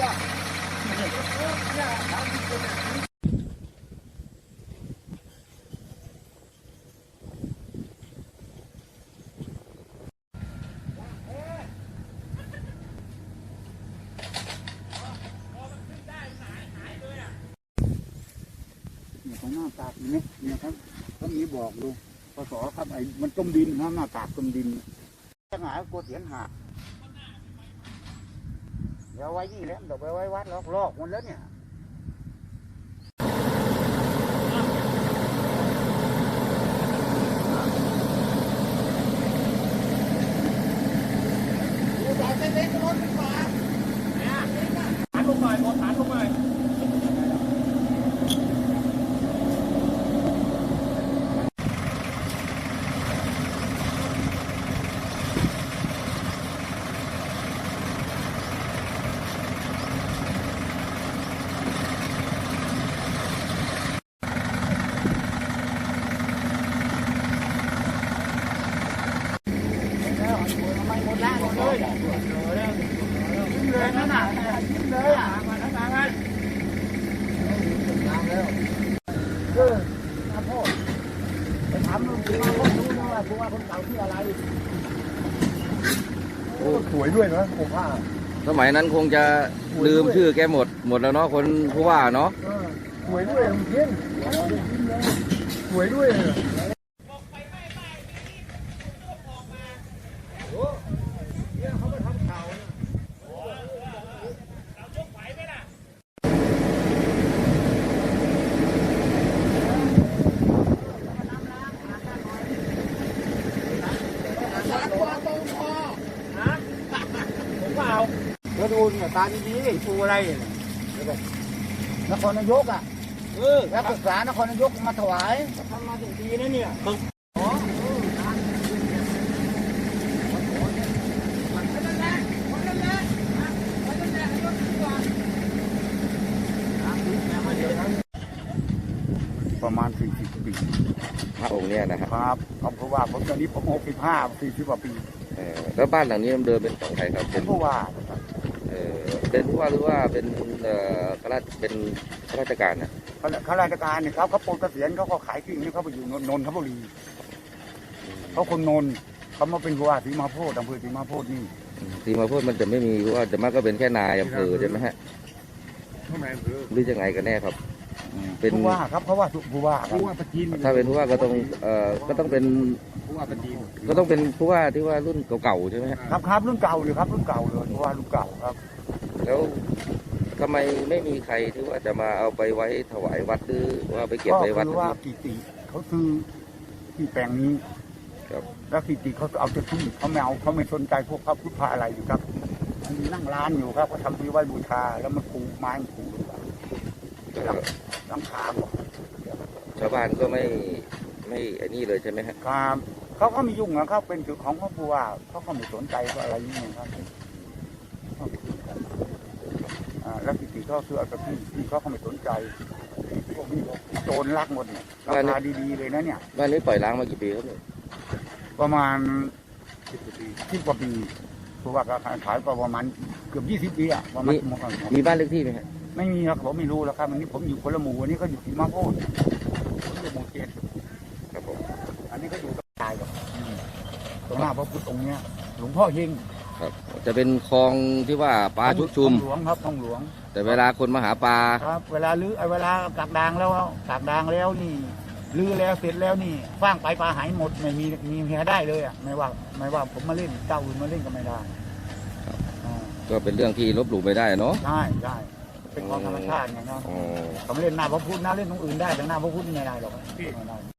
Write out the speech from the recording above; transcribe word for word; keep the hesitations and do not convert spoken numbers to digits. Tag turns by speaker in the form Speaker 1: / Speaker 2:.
Speaker 1: ของหน้ากากนี่เนี่ยครับเขามีบอกดูพศครับไอ้มันจมดินนะหน้ากากจมดินจะหายกลัวเสียนหักเดี๋ยวไว้นี่แล้วเดี๋ยวไปไว้วัดลอกลอกหมดแล้วเนี่ยฐานเล็กๆรถไฟฟ้าฐานลงหน่อยฐานลงหน่อยไม่หมดแล้วหมดเลยเลยนั่นน่ะเลยอ่ะมาทั้งทางเลยน้ำแล้วเออข้าพ่อไปถามลุงมาพ่อรู้นะว่าผู้ว่าคนเก่าที่อะไรโอ้สวยด้วยนะผมว่า
Speaker 2: สมัยนั้นคงจะลืมชื่อแกหมดหมดแล้วเนาะคนผู้ว่าเนาะ
Speaker 1: สวยด้วยเพี้ยนสวยด้วยมาดูเนี่ยตาดีๆปูอะไรนครนายกอ่ะเออรับศึกษานครนายกมาถวายทำมาถึงปีนะเนี่ยอ๋อประมาณสี่สิบปี
Speaker 2: พระองค์เนี่ยนะครับ
Speaker 1: ครับเพราะว่าผมตอนนี้ผมหกสิบห้าสี่สิบกว่าปี
Speaker 2: แล้วบ้านหลังนี้เดิมเป็นของใครครับ
Speaker 1: เป็นผู้ว่า
Speaker 2: เป็นผู้ว่าหรือว่าเป็นข้าราชเป็นข้าราชการนะ
Speaker 1: ข้าราชการเนี่ยเขาเขาปลดเกษียณเขาก็ขายที่นี่เขาไปอยู่นนทบุรีเขาคนนนเขามาเป็นผู้ว่าศรีมาโพธิ์อำเภอศรีมาโพธิ์นี่
Speaker 2: ศรีมาโพธิ์มันจะไม่มีผู้ว่าจะมากก็เป็นแค่นายอำเภอใช่ไหมฮะหรือยังไงกันแน่ครับ
Speaker 1: เป็นผู้ว่าครับเพราะว่าผู้ว่าผู้ว่าประจิน
Speaker 2: ถ้าเป็นผู้ว่าก็ต้องเอ่อก็ต้องเป็น
Speaker 1: ผู้ว่าประจิน
Speaker 2: ก็ต้องเป็นผู้ว่าที่ว่ารุ่นเก่าๆใช่ไหม
Speaker 1: ครับครับรุ่นเก่าเลยครับรุ่นเก่าเลยผู้ว่ารุ่นเก่าครับ
Speaker 2: แล้วทำไมไม่มีใครที่ว่าจะมาเอาไปไว้ถวายวัดหรือว่าไปเก็บไว้วัด
Speaker 1: ก็คือว่ากิติเขาซื้อที่แปลงนี้
Speaker 2: ครับ
Speaker 1: แล้วกิติเขาเอาจะที่เขาไม่เอาเขาไม่สนใจพวกพระพุทธอะไรอยู่ครับมีนั่งร้านอยู่ครับเขาทำที่ไว้บูชาแล้วมันปูไม้ปูหลังคา
Speaker 2: ชาวบ้านก็ไม่ไม่ไอ้นี่เลยใช่ไหมครับ
Speaker 1: ครับเขาก็มียุ่งนะครับเป็นจุดของเขาผู้ว่าเขาก็ไม่สนใจก็อะไรนี่ครับแล้วกิติเขาซื้อเอาแต่ที่ที่เขาไม่สนใจพวกนี้โจรลักหมดเนี่ยราคาดีๆเลยนะเนี่ย
Speaker 2: บ้านนี้ปล่อยล้างมากี่ปีครับ
Speaker 1: ประมาณสิบกว่าปีสิบกว่าปีเพราะว่าขายประมาณเกือบยี่สิบปีอะประมาณ
Speaker 2: มีบ้านเลขที่ไหมครับ
Speaker 1: ไม่มีครับผมไม่รู้แล้วครับวันนี้ผมอยู่คนละหมู่วันนี้ก็อยู่ที่มาโพธิ์ผมอยู่หมู่เจ็ด
Speaker 2: ครับผม
Speaker 1: อันนี้ก็อยู่กับตายกับตรงหน้าพระพุทธองค์เนี้ยหลวงพ่อเฮง
Speaker 2: ครับจะเป็นคลองที่ว่าปลาชุกชุม
Speaker 1: หลวงครับท้องหลวง
Speaker 2: แต่เวลาคนมาหาปลา
Speaker 1: ครับเวลาลื้อเวลากักดางแล้วกักดางแล้วนี่ลื้อแล้วเสร็จแล้วนี่ฟางไปปลาหายหมดไม่มีมีเหียได้เลยอ่ะไม่ว่าไม่ว่าผมมาเล่นเจ้าอื่นมาเล่นก็ไม่ได้
Speaker 2: ก็เป็นเรื่องที่ลบหลู่ไม่ได้เนาะ
Speaker 1: ใช่ใช่เป็นของธรรมชาติไงเนาะเขาเล่นหน้าพระพุทธนะเล่นตรงอื่นได้แต่หน้าพระพุทธไม่ได้หรอก